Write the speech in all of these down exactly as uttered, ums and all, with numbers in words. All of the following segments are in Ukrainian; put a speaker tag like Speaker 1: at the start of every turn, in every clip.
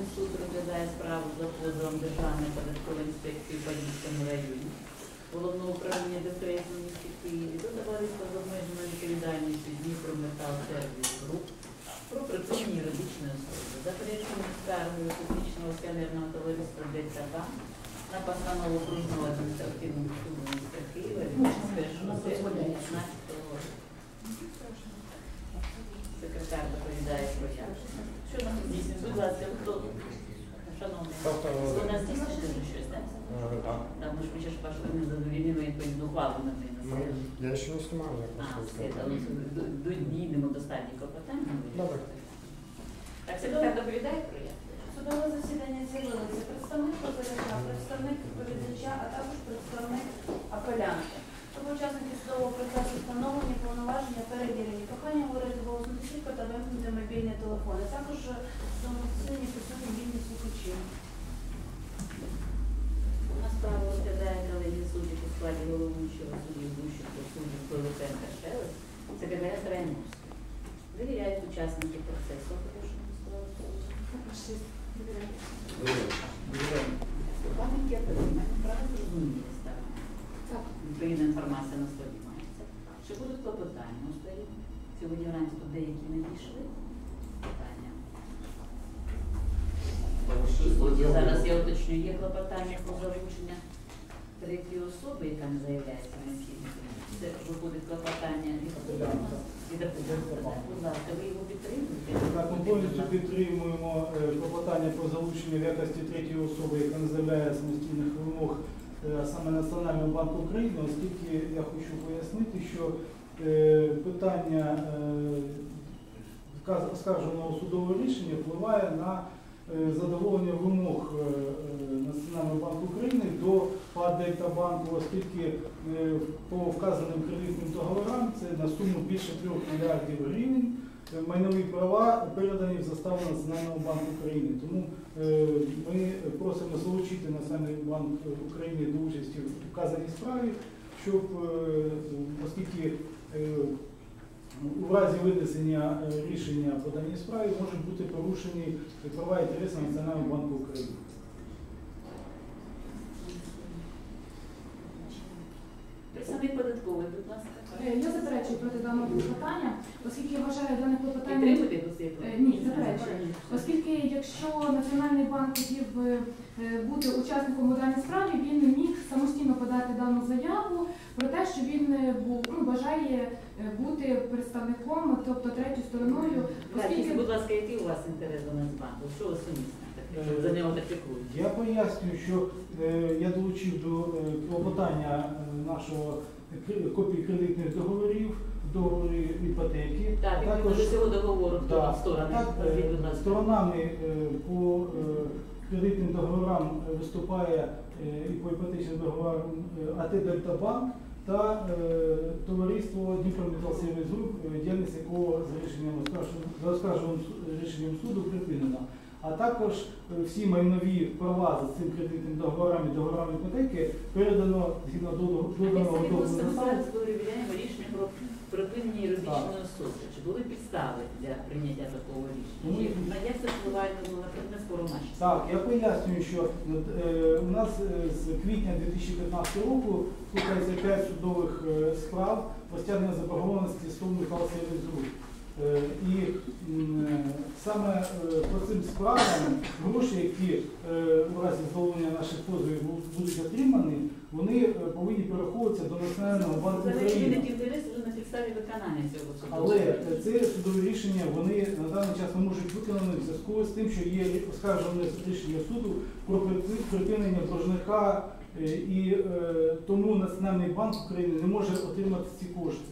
Speaker 1: суд розглядає справу за позовом Державної податкової інспекції в Подільському районі, Головного управління ДФС у місті Києві до товариства з обмеженою відповідальністю Дніпрометал Сервіс Груп про припинення юридичної особи. Заперечення скаргою публічного акціонерного товариства ДЦК на постанову окружного адміністративного суду міста Києва від першого серпня дві тисячі п'ятнадцятого року. Секретар доповідає про явлення. Що нам здійснює? Будь ласка, хто? Шановний, ви нас здійснюєте щось, так? Так, ми ж ми ще ж пошли не задовільнили відповідну ухвалу на неї.
Speaker 2: Я ще не знімаю, я
Speaker 1: А,
Speaker 2: просто...
Speaker 1: все, дійдемо до стадії клопотання.
Speaker 2: Добре.
Speaker 1: Так, секретар доповідає про явлення?
Speaker 3: Судове засідання з'явилися представник позивача, представник відповідача, а також представник апелянта. Тобто учасники судового процесу встановлені повноваження перевірені. Прохання говорити голосно чітко та вимкнути мобільні телефони. Також в цьому засіданні присутні вільні слухачі.
Speaker 1: У нас справу розглядає колегія суддів у складі головуючого суддів Гущенко, суддів Пилипенка Шелест, секретаря Трайновського. Довіряють учасники процесу, порушення складу суду. Пам'ятки отримання право зрозуміли сторони. Відповідна інформація на столі мається. Чи будуть клопотання у столі? Сьогодні вранці тут деякі не дійшли. Питання. Зараз я уточню, є клопотання про залучення третьої особи, яка не заявляється необхідним. Це виходить клопотання від апелянта. Будь ласка, ви його підтримуєте?
Speaker 4: Так, ми повністю підтримуємо клопотання про залучення в якості третьої особи, яка не заявляє самостійних вимог, а саме Національного банку України, оскільки я хочу пояснити, що питання оскарженого судового рішення впливає на задоволення вимог Національного банку України до ПАТ «Дельтабанку», оскільки по вказаним кредитним договорам це на суму більше трьох мільярдів гривень майнові права передані в заставу Національного банку України. Тому ми просимо залучити Національний банк України до участі в вказаній справі, щоб, оскільки у разі винесення рішення по даній справі можуть бути порушені права і інтереси Національного банку України.
Speaker 1: Представник податковий, будь ласка.
Speaker 5: Я заперечую проти даного клопотання, оскільки я вважаю дане клопотання...
Speaker 1: Підтримуєте посвіту?
Speaker 5: Ні, заперечую. Оскільки якщо Національний банк хотів бути учасником у даній справі, він міг самостійно подати дану заяву про те, що він був, ну, бажає бути представником, тобто третьою стороною.
Speaker 1: Оскільки... Будь ласка, який у вас інтерес до Нацбанку? Що ви сумісне? За нього так піклують?
Speaker 4: Я пояснюю, що е, я долучив до е, клопотання е, нашого копії кредитних договорів, договорів іпотеки.
Speaker 1: Так, також до цього договору, хто
Speaker 4: да,
Speaker 1: сторони?
Speaker 4: Так, е, сторонами е, по е, кредитним договорам виступає е, і по іпотечним договорам е, АТ «Дельтабанк» та е, товариство Дніпрометал Сервіс Груп, діяльність якого за рішенням за оскарженим рішенням суду припинена. А також всі майнові права за цим кредитним договорами і договорами іпотеки передано згідно доданого договору.
Speaker 1: Ми зараз перевіряємо рішення про припинення юридичної особи. Чи були підстави для прийняття такого рішення? Ну, як це впливає на предмет спору наші?
Speaker 4: Так, я пояснюю, що е, у нас з квітня дві тисячі п'ятнадцятого року слухається п'ять судових е, справ про стягнення заборгованості СТОВ «Метал Сервіс Груп». Е, і е, саме е, по цим справам гроші, які е, у разі задоволення наших позовів будуть отримані, вони е, повинні перераховуватися до Національного банку України.
Speaker 1: Інтерес вже на підставі виконання цього суду.
Speaker 4: Але це судові рішення, вони на даний час не можуть виконані в зв'язку з тим, що є оскаржене рішення суду про припинення боржника, е, і е, тому Національний банк України не може отримати ці кошти.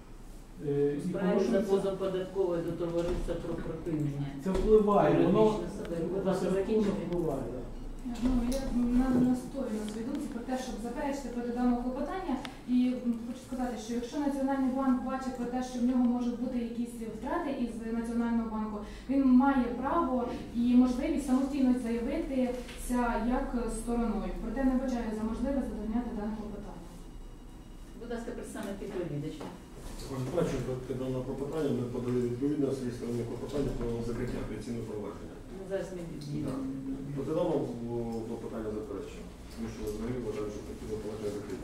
Speaker 1: Справі за позов податкової до товариства про припинення.
Speaker 4: Це впливає, воно
Speaker 1: впливає.
Speaker 5: Ну, я настою на свою думку про те, щоб заперечити проти даного клопотання. І хочу сказати, що якщо Національний банк бачить про те, що в нього можуть бути якісь втрати із Національного банку, він має право і можливість самостійно заявитися як стороною. Проте не вважаю за можливе задовольняти дане клопотання.
Speaker 1: Будь ласка, представник відповідача.
Speaker 2: Бачу, під даного клопотання ми подали відповідно свої сторони клопотання про закриття апеляційного провадження.
Speaker 1: зараз ми дійдемо.
Speaker 6: Проти даного клопотання заперечення, тому що взагалі вважаю, що такі клопотання закриті.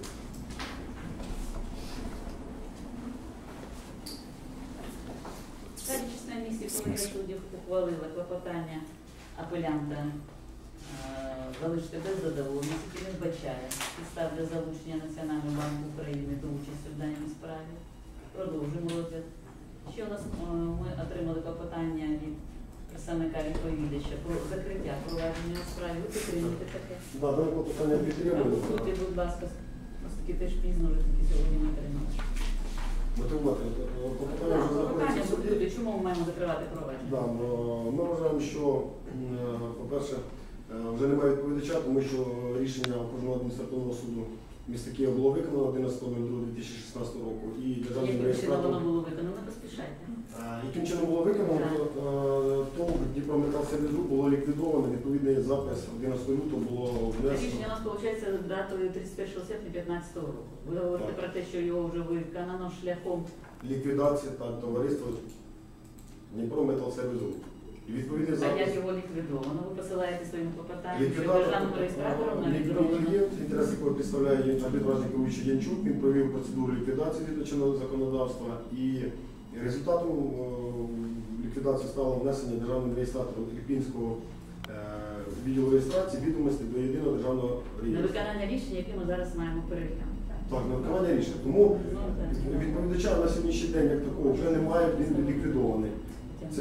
Speaker 1: Перечисна місія колегія суддів ухвалила клопотання апелянта е, залишити без задоволення, який він вбачає підстав для залучення Національного банку України до участі в даній справі. Продовжуємо розгляд. Ще у нас е, ми отримали клопотання від представника відповідача про закриття провадження у справі. Ви підтримуєте таке?
Speaker 6: Да, дане клопотання підтримую.
Speaker 1: Тут, будь ласка, оскільки теж пізно вже тільки сьогодні ми отримали.
Speaker 6: Мотивувати. Клопотання вже
Speaker 1: Клопотання
Speaker 6: знаходиться в суді.
Speaker 1: буде, чому ми маємо закривати провадження?
Speaker 6: Да, ми вважаємо, що, е, по-перше, е, вже немає відповідача, тому що рішення окружного адміністративного суду міста Києва було виконано одинадцятого лютого дві тисячі шістнадцятого року. І державним
Speaker 1: Яким чином воно
Speaker 6: реєстратором,
Speaker 1: було виконано? Не поспішайте.
Speaker 6: Е, яким чином було виконано, то, е, то Дніпрометал Сервіс Груп було ліквідовано, відповідний запис одинадцятого лютого було внесено.
Speaker 1: Рішення у нас виходить датою тридцять першого серпня дві тисячі п'ятнадцятого року. Ви говорите
Speaker 6: Так.
Speaker 1: про те, що його вже виконано шляхом.
Speaker 6: Ліквідації та товариства Дніпрометал Сервіс Груп. І відповідний
Speaker 1: А
Speaker 6: запис.
Speaker 1: як його ліквідовано? Ви посилаєте своїм клопотанням, що
Speaker 6: Ліквідатор,
Speaker 1: державним реєстратором навіть
Speaker 6: ліквідний
Speaker 1: зроблено.
Speaker 6: клієнт, інтерес якого представляє арбітражний керуючий Янчук, він провів процедуру ліквідації від чинного законодавства, і результатом е, ліквідації стало внесення державним реєстратором Ірпінського е, відділу реєстрації відомостей до єдиного державного
Speaker 1: На
Speaker 6: реєстру.
Speaker 1: виконання рішення, яке ми зараз маємо переглянути.
Speaker 6: Так, на виконання рішення. Тому
Speaker 1: Ну, так.
Speaker 6: відповідача на сьогоднішній день як такого вже немає, він ліквідований. Це-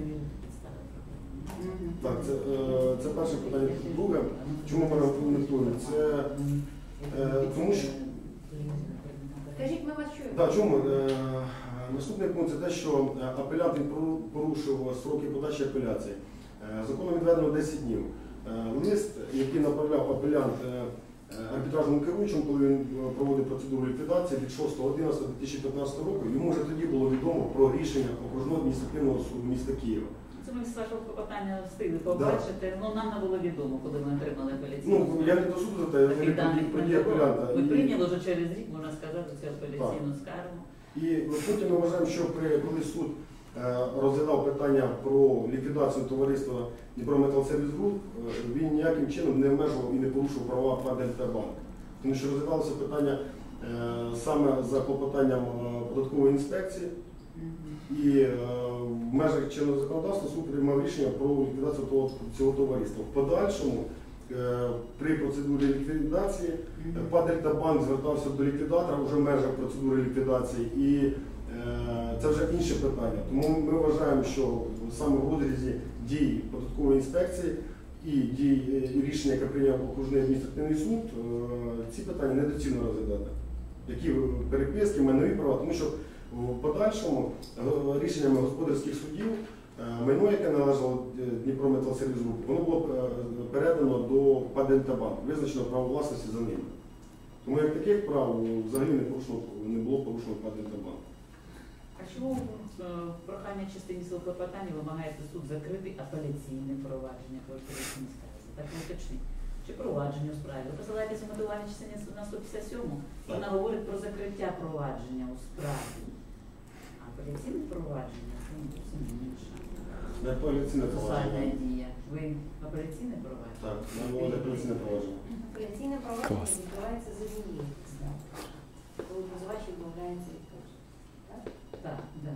Speaker 1: Мгм.
Speaker 6: Так, це, е, це перше питання. Друге, чому ми рекомендуємо? Це е, тому що
Speaker 3: Скажіть, ми вас чуємо.
Speaker 6: Да, чому? Е, Наступний пункт це те, що е, апелянт він пору- порушив строки подачі апеляції. Е, Законом відведено десять днів. Е, Лист, який направляв апелянт е, е, арбітражному керуючому, коли він е, проводив процедуру ліквідації від шостого одинадцятого дві тисячі п'ятнадцятого року, йому вже тоді було відомо про рішення окружного адміністративного суду міста Києва.
Speaker 1: Це ми з вашого клопотання встигли побачити, ну нам не було відомо, коли ми отримали апеляційну.
Speaker 6: Ну, я не до суду за те, я
Speaker 1: Таких
Speaker 6: не
Speaker 1: даних
Speaker 6: про
Speaker 1: не
Speaker 6: дії
Speaker 1: було.
Speaker 6: апелянта.
Speaker 1: Ми
Speaker 6: І-
Speaker 1: прийняли вже через рік, можна сказати, цю апеляційну скаргу.
Speaker 6: І потім ми вважаємо, що при, коли суд е, розглядав питання про ліквідацію товариства Дніпрометал Сервіс Груп, е, він ніяким чином не обмежував і не порушив права ПА «Дельтабанк». Тому що розглядалося питання е, саме за клопотанням е, податкової інспекції,
Speaker 1: Мгм.
Speaker 6: і е, в межах чинного законодавства суд приймав рішення про ліквідацію того, цього товариства. В подальшому е, при процедурі ліквідації
Speaker 1: Мгм.
Speaker 6: ПА «Дельтабанк» звертався до ліквідатора вже в межах процедури ліквідації, і е, це вже інше питання. Тому ми вважаємо, що саме в розрізі дій податкової інспекції і дій е, і рішення, яке прийняв окружний адміністративний суд, е, ці питання недоцільно розглядати. Які переписки, майнові права, тому що в подальшому е, рішеннями господарських судів е, майно, яке належало Дніпрометал Сервіс Груп, воно було е, передано до ПА «Дельтабанк», визначено право власності за ними. Тому як таких прав взагалі не порушено, не було порушено ПА «Дельтабанк».
Speaker 1: А чому е, в прохання частині свого клопотання вимагаєте суд закрити апеляційне провадження по апеляційній скарзі? Так не уточніть. Чи провадження у справі? Ви посилаєтеся в мотивувальній частині на сто п'ятдесят сьому? Вона говорить про закриття провадження у справі. А апеляційне провадження це ну, зовсім інше.
Speaker 6: Не апеляційне
Speaker 1: Процесуальна
Speaker 6: провадження.
Speaker 1: дія. Ви апеляційне провадження?
Speaker 6: Так, нам було апеляційне провадження.
Speaker 3: Апеляційне провадження відбувається за однією підставою, коли позивач відмовляється від позову. Так?
Speaker 1: Так, так.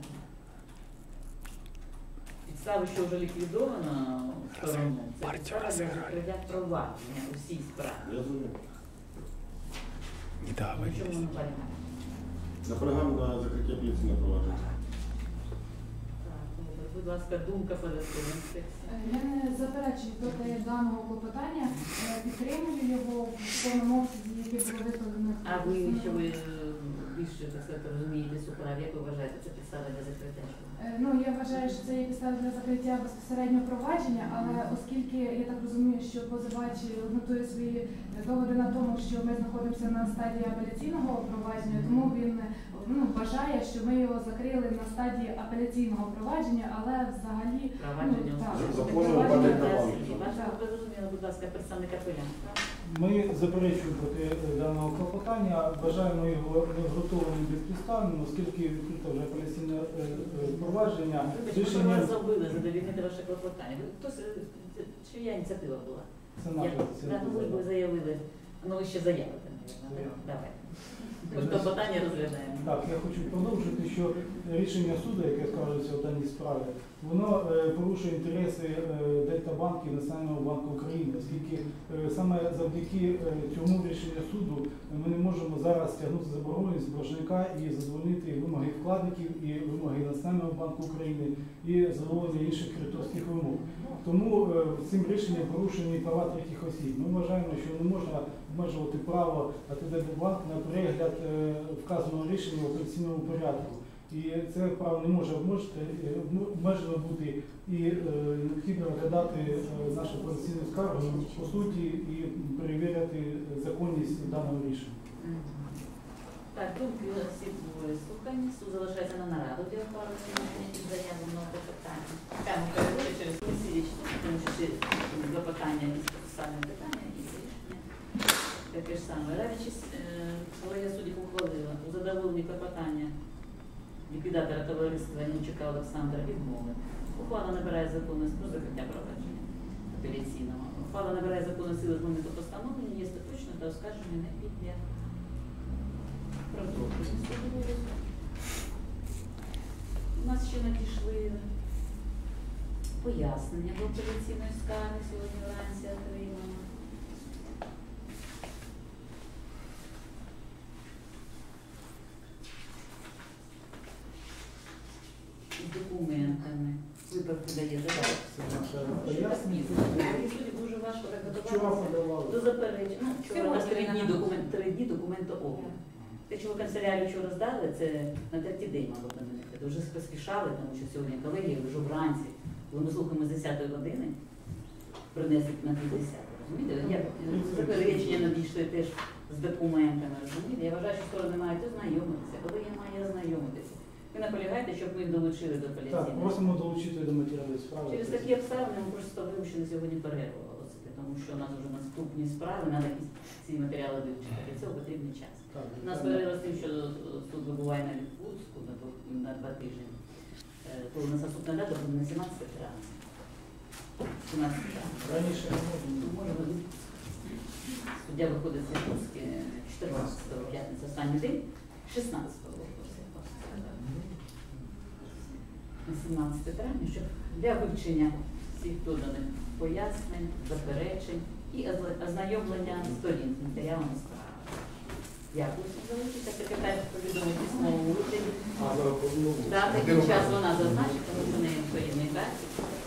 Speaker 1: Підстави, що вже ліквідовано сторону, це підстава для закриття провадження у всій справі.
Speaker 6: Я зрозумів.
Speaker 1: Ну, чому не полягає?
Speaker 6: Наполягаємо на закриття апеляційного провадження.
Speaker 1: Так, добре. Будь ласка, думка податкової інспекції.
Speaker 5: Е, Я не заперечую проти даного клопотання, е, підтримую його в повному обсязі, який було викладено.
Speaker 1: А ви, що ви е, більше так сказати, розумієте цю справу, як ви вважаєте, це підстава для закриття?
Speaker 5: Е, Ну, я вважаю, що це є підстава для закриття безпосередньо провадження, але оскільки я так розумію, що позивач ґрунтує свої доводи на тому, що ми знаходимося на стадії апеляційного провадження, тому він ну, вважає, що ми його закрили на стадії апеляційного провадження, але взагалі
Speaker 1: Провадження
Speaker 5: ну, так,
Speaker 6: За- за
Speaker 5: це
Speaker 6: позовом
Speaker 5: провадження
Speaker 6: падає
Speaker 5: без-
Speaker 6: на банк.
Speaker 1: Ваша,
Speaker 5: так.
Speaker 1: ви зрозуміли, будь ласка, представник апелянта.
Speaker 4: Ми заперечуємо проти е, даного клопотання, вважаємо його необґрунтованим безпідставним, оскільки відкрито вже апеляційне е, е, провадження.
Speaker 1: Вибачте, ми
Speaker 4: Рішення
Speaker 1: вас забили задовільнити ваше клопотання. Ви- Хтось, е, це- чия ініціатива була?
Speaker 4: це
Speaker 1: Я-
Speaker 4: наша
Speaker 1: да,
Speaker 4: ініціатива.
Speaker 1: ну, ви ви заявили, ну ви ще заявите, мабуть.
Speaker 4: Заявимо.
Speaker 1: Давай. Ми ж клопотання розглядаємо.
Speaker 4: Так, я хочу продовжити, що рішення суду, яке скажеться в даній справі, воно е, порушує інтереси е, Дельта-банку і Національного банку України, оскільки е, саме завдяки е, цьому рішенню суду ми не можемо зараз стягнути заборгованість боржника і задовольнити вимоги вкладників, і вимоги Національного банку України, і задоволення інших кредиторських вимог. Тому е, цим рішенням порушені права третіх осіб. Ми вважаємо, що не можна обмежувати право АТД-банк на перегляд е, вказаного рішення в апеляційному порядку. І це право не може обмежити, е, обмежено бути і е, необхідно розглядати е, нашу апеляційну скаргу по суті і перевіряти законність даного рішення.
Speaker 1: Мгм. Так, думки у нас всі були слухані. Суд залишається на нараду для оформлення і заявленого клопотання. Прямо переводить через комісію, тому що ці два питання і саме питання і рішення. Таке ж саме. Радячись, колегія суддів ухвалила у задоволенні клопотання ліквідатора товариства Німчука Олександра відмови. Ухвала набирає законність про закриття провадження апеляційного. Ухвала набирає законну силу з моменту постановлення, є остаточно та оскарження не піде. Продовжуємо судову. У нас ще надійшли пояснення до апеляційної скарги сьогодні вранці отримано. З документами. Виправку дає задачу.
Speaker 4: Це наше пояснення.
Speaker 1: Суді дуже важко так
Speaker 4: Вчора
Speaker 1: готуватися
Speaker 4: подавали.
Speaker 1: до заперечень. Ну, вчора у нас три
Speaker 5: Сьогодні
Speaker 1: дні
Speaker 5: на-
Speaker 1: документ, три дні документообмін. Те, що ви канцелярію вчора здали, це на третій день мало до мене. Дуже поспішали, тому що сьогодні колеги вже вранці, коли ми слухаємо з десятої години, принесли на півдесят. Розумієте? Я, заперечення надійшли теж з документами. Розумієте? Я вважаю, що сторони мають ознайомитися. Коли я маю ознайомитися? Ви наполягаєте, щоб ми їх долучили до
Speaker 4: Так,
Speaker 1: апеляційної?
Speaker 4: просимо долучити до матеріалів справи.
Speaker 1: Через такі обставини ми просто вимушені сьогодні перерву оголосити, тому що у нас вже наступні справи, треба ці матеріали вивчити. Для цього потрібний час.
Speaker 4: Так,
Speaker 1: У нас перерва з тим, що суд вибуває на відпустку на, двох- на два тижні. Е, То у нас наступна дата буде на сімнадцяте травня. сімнадцяте травня.
Speaker 4: Раніше не можна.
Speaker 1: Ну, може бути. Суддя виходить з відпустки чотирнадцятого, п'ятниця, останній день, шістнадцятого виходить. На сімнадцяте травня, щоб для вивчення всіх доданих пояснень, заперечень і озна- ознайомлення сторін з матеріалами справи. Дякую, що залишиться. Секретар повідомить письмовому вигляді.
Speaker 6: А зараз
Speaker 1: Дати і час вона зазначить, тому що в неї воєнний графік.